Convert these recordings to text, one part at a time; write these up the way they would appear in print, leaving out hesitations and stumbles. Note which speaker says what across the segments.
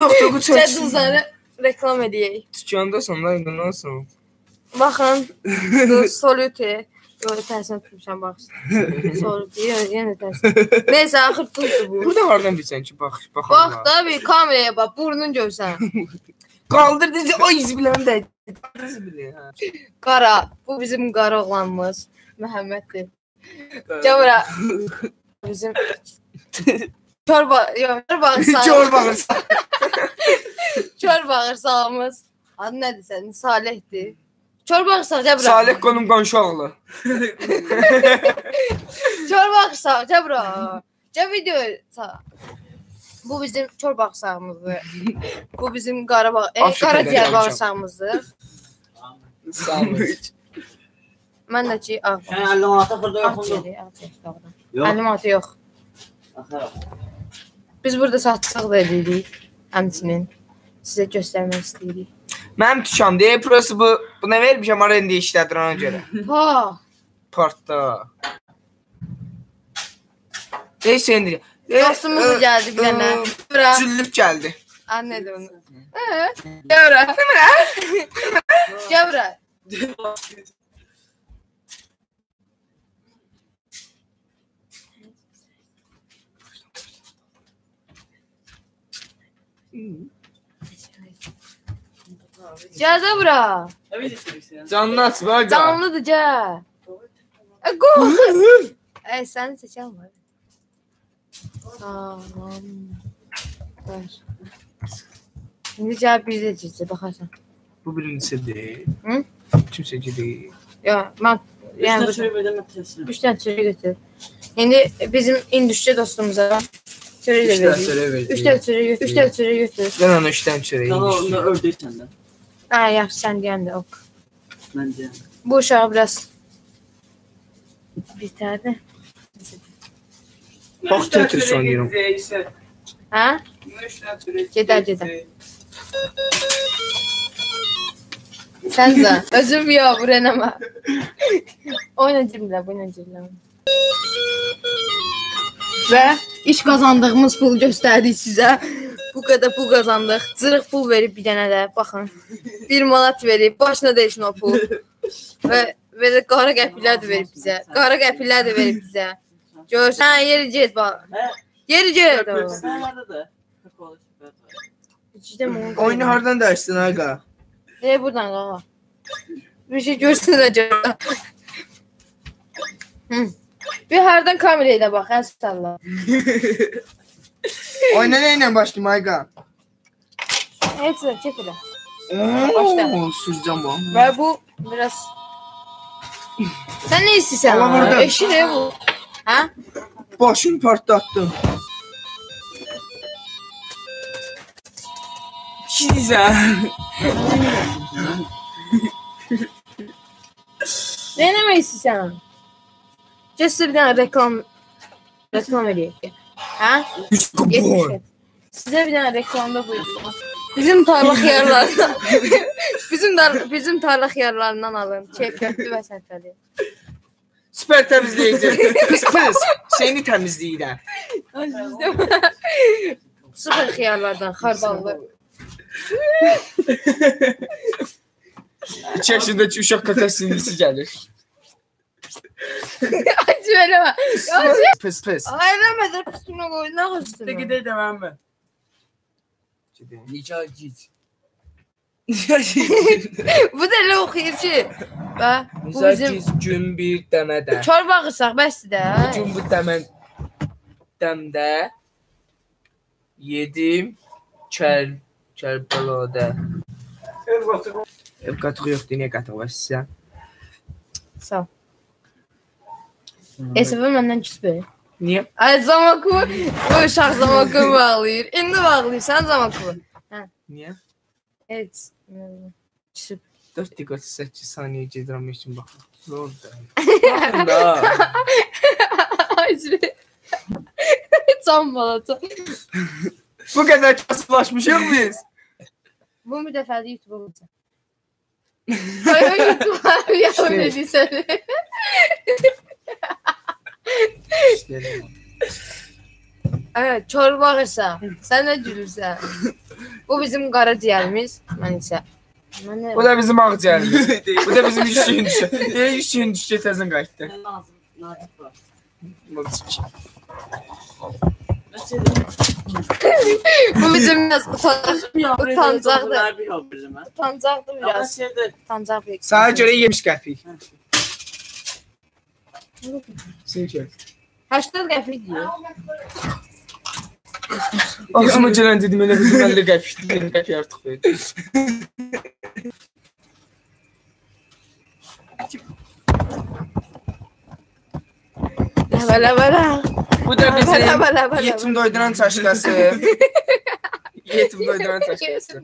Speaker 1: Toku çək.
Speaker 2: Çəduzları reklam edəyək.
Speaker 1: Tükanda sonlar nə olsun?
Speaker 2: Baxın. Solute. Yox, tərsine tutmuşam bax. Solute. Yenə tərsine. Neyse, axır tutdu bu.
Speaker 1: Burada hardan bilsən ki, bax.
Speaker 2: Bax da bir kameraya bax. Burnun görsən.
Speaker 1: Qaldır dedi. Ay zibiləm də.
Speaker 2: Qara. Bu bizim qara oğlanımız. Məhəmməddir. Cavra. Bizim Çor bağırsağımız. Çor bağırsağımız. Adı nədir sənin? Salihdir. Çor bağırsaq Cəbra.
Speaker 1: Salih qonum qonşu oğlu.
Speaker 2: Çor bağırsaq Cəbra. Video. Bu bizim çor bağırsağımızdır. Bu bizim qaraciyər bağırsağımızdır.
Speaker 1: Sağ olun.
Speaker 2: Mən də ki, ağ.
Speaker 3: Sən 50 manata xırda yoxdur.
Speaker 2: Yox. 50 manata yox. Biz burada satışıq da edirik. Həmçinin sizə göstərmək istəyirik.
Speaker 1: Mənim dükanımda. Burası bu nə vermişəm arenda işlədir ona görə.
Speaker 2: Ha.
Speaker 1: Partda. Sendir.
Speaker 2: Dostumuz da gəldi bir dənə. Bura.
Speaker 1: Cüllüb gəldi.
Speaker 2: Anladım onu. Cəbra. Cəbra. Cəza bura.
Speaker 1: Canını aç bax.
Speaker 2: Canlıdır cə. Qox. Səni seçən var. Tamam. Ver. İndi cəb bir də cizə baxarsan.
Speaker 1: Bu birincisidir.
Speaker 2: Hı?
Speaker 1: Kimsə deyil.
Speaker 2: Yox, mən yəni 3 dənə çörək götür. İndi bizim indüstri dostumuza çörək də veririk. 3 dənə çörək götür.
Speaker 1: Mən ona 3 dənə çörək yemişdim.
Speaker 3: Onu ördək səndən.
Speaker 2: Yaxşı, sən deyən də ok.
Speaker 3: Mən deyəm.
Speaker 2: Bu uşağı biraz bitərdi.
Speaker 1: Bax, Tetris oynayıram.
Speaker 2: Hə? Gedər. Sən də. Özüm yox, vurənəmə. Oyna cimlə. Və iş qazandığımız pul göstərdik sizə. Bu qədər pul qazandıq. Cırıq pul verib bir dənə də. Baxın. 1 manat verib. Başına değsin o pul. Və də qara qəpirlər də verib bizə. Görsən, yeri get bax. Yeri get.
Speaker 1: Oyunu hardan dərsin ağa?
Speaker 2: Buradan qağa. Bir şey görsün acaba. Bir hardan kameraya da bax, əstəllah.
Speaker 1: Oyuna nə ilə başlayayım ağa?
Speaker 2: Heç də, çək elə.
Speaker 1: Sürəcəm bu.
Speaker 2: Və bu biraz... Sən nə istəyirsən? Eşin bu. Hə?
Speaker 1: Başını partlatdım. Çizəm.
Speaker 2: Nə eləmək istəyirsən? Cəsə bir dənə reklam edəyək. Hə? Sizə bir dənə reklamda buyurun. Bizim tarla xiyarlarından alın. Keyfiyyətli və səfəli.
Speaker 1: Süper təmizləyici. Pis. Seni təmizləyirəm.
Speaker 2: Sıfır xiyarlardan, xardallı.
Speaker 1: 2 yaşındakı uşaq kaka sinirlisi gəlir.
Speaker 2: Acı eləmə.
Speaker 1: Pis.
Speaker 2: Eləmədir, üstünə qoy, nə qoysun?
Speaker 1: Gedək deməm mən.
Speaker 3: Necə git.
Speaker 2: Bu da elə oxuyur ki. Bu bizim...
Speaker 1: gün bir dəmədə.
Speaker 2: Çor bağırsaq, bəsdir də.
Speaker 1: Gün bu dəmdə yedim Kərbalada. Ev qatığı yoxdur, niyə qatığı var sizə?
Speaker 2: Sağ ol. Esəfə məndən küsbür.
Speaker 1: Niyə?
Speaker 2: Ay, Zamaku, bu uşaq Zamaku bağlayır. İndi bağlayırsan Zamaku.
Speaker 1: Niyə?
Speaker 2: Evet. Küsüb.
Speaker 1: 4 dəqiqə 8 saniyə gedirəm üçün baxın. Nə oldu? Baxın da.
Speaker 2: Ay, can balata.
Speaker 1: Bu qədər kasılaşmışıq biz.
Speaker 2: Bu müdəfəli YouTube'a olacaq. Ay, YouTube'a yavrum edirsən. Evet, çor bağırsa. Sən nə gülürsən? Bu bizim qaraciyərimiz. Mən isə.
Speaker 1: Bu da bizim ağciyərimiz. Bu da bizim üçlüyün düşü. Deyək üçlüyün düşü təzən qayıtdı.
Speaker 3: Nazik var.
Speaker 2: Bu bizim biraz utancaqdır.
Speaker 3: Bir yok bizim ha.
Speaker 2: Utancaqdır
Speaker 3: Ama
Speaker 2: biraz.
Speaker 3: şeyde
Speaker 2: Utancaq bir.
Speaker 1: Sana görə 70 qəpik. Sən
Speaker 2: 80 qəpik deyir.
Speaker 1: Axşama gələn dedim elə bizim 50 qəpikdir. 50 qəpik artıq verdi.
Speaker 2: Ləbələ.
Speaker 1: Bu da bizim
Speaker 2: Ləbələ.
Speaker 1: yetim doyduran çaşqası. Yetim doyduran çaşqası.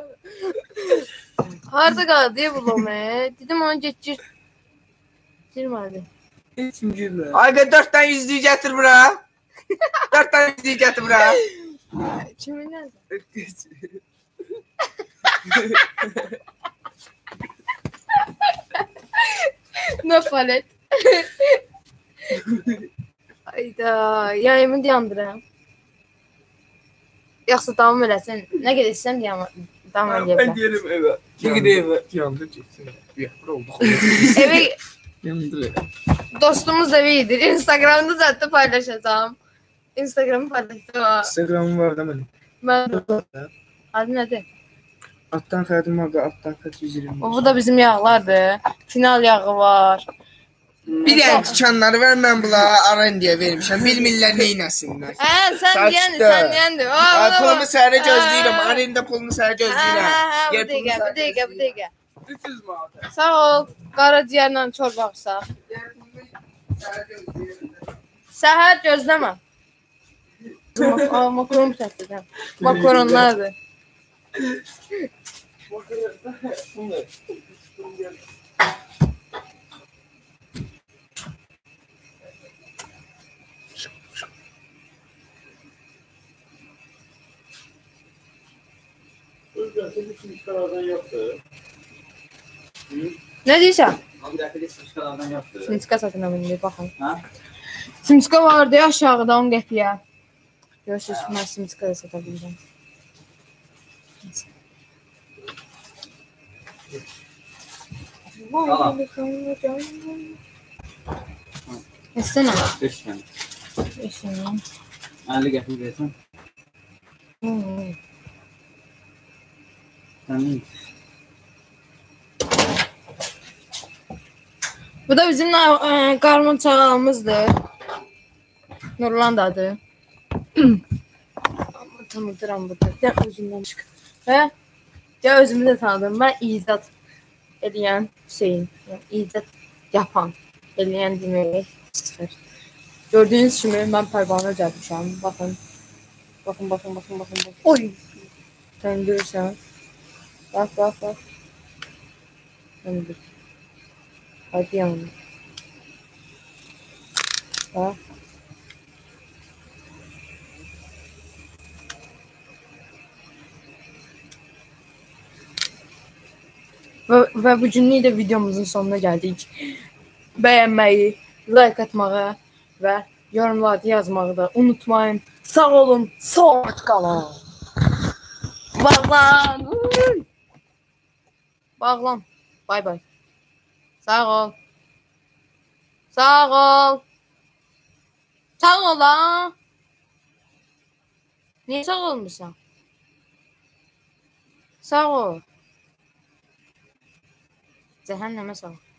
Speaker 2: Harda qaldı ya bu lome? Dedim onu geçir. Girmədi.
Speaker 3: Kim gülür?
Speaker 1: Ayqa 4 tane yüzlüyü gətir bura. 4 tane yüzlüyü gətir bura.
Speaker 2: Kimin nədir? Ne palet. Ayda, yayımı dayandıram. Yoxsa davam eləsən, nə gedəsən davam
Speaker 1: Ben
Speaker 2: eləyəcəm.
Speaker 1: diyelim eve. Çünkü de eve. Yandı çeksin. Bir oldu.
Speaker 2: Evi
Speaker 3: Yandı.
Speaker 2: dostumuz da iyidir. Instagramda zaten paylaşacağım. Instagramı paylaşacağım.
Speaker 1: Instagram'ım var da benim.
Speaker 2: Ben adı nədir?
Speaker 1: Alttan xədim var, alttan xət 120.
Speaker 2: Bu da bizim yağlardır. Final yağı var.
Speaker 1: Bir dənə tikanları ver, mən bunlara arendiyə vermişəm. Bilmirlər neynəsinlər.
Speaker 2: Sən deyəndi,
Speaker 1: Saçdı.
Speaker 2: sən deyəndi.
Speaker 1: Pulumu səhərə gözləyirəm, arenda pulunu səhərə gözləyirəm.
Speaker 2: Bu dəqiqə.
Speaker 1: 300 manat.
Speaker 2: Sağ ol. Qaraciyərlə çorba axsaq. Səhər gözləmə. Makaron çəkdirəm. Makaronlardır. Nə deyirsən?
Speaker 3: Abi dəfəli sıçkalardan yaptı.
Speaker 2: Simska satına mindir, baxın.
Speaker 3: Ha?
Speaker 2: Simska vardı ya aşağıda 10 qəpiyə. Görürsünüz, mən simska da sata bilirəm. Etsene.
Speaker 3: 5 tane.
Speaker 2: Etsene.
Speaker 3: 50 qəpik versən. Tamam.
Speaker 2: Bu da bizim qarmon çağalımızdır. Nurlan da adı. Tanıdıram burada. Gəl özümdən çıx. Hə? Gəl özümü də tanıdım. Mən icad eləyən Hüseyin. Yəni icad yapan eləyən demək çıxır. Gördüyünüz kimi mən pərvanə gəlmişəm. Baxın. Baxın. Oy. Sən görürsən. Bax. Sən bir. Hadi yanına. Bax. Və bu günlük də videomuzun sonuna gəldik. Bəyənməyi, like atmağı və yorumlarda yazmağı da unutmayın. Sağ olun, sağ qalın. Bağlan. Bağlan. Bay bay. Sağ ol. Sağ ol. Sağ ol ha. Niye sağ olmuşsan? Sağ ol. Cəhənnəmə sağ ol.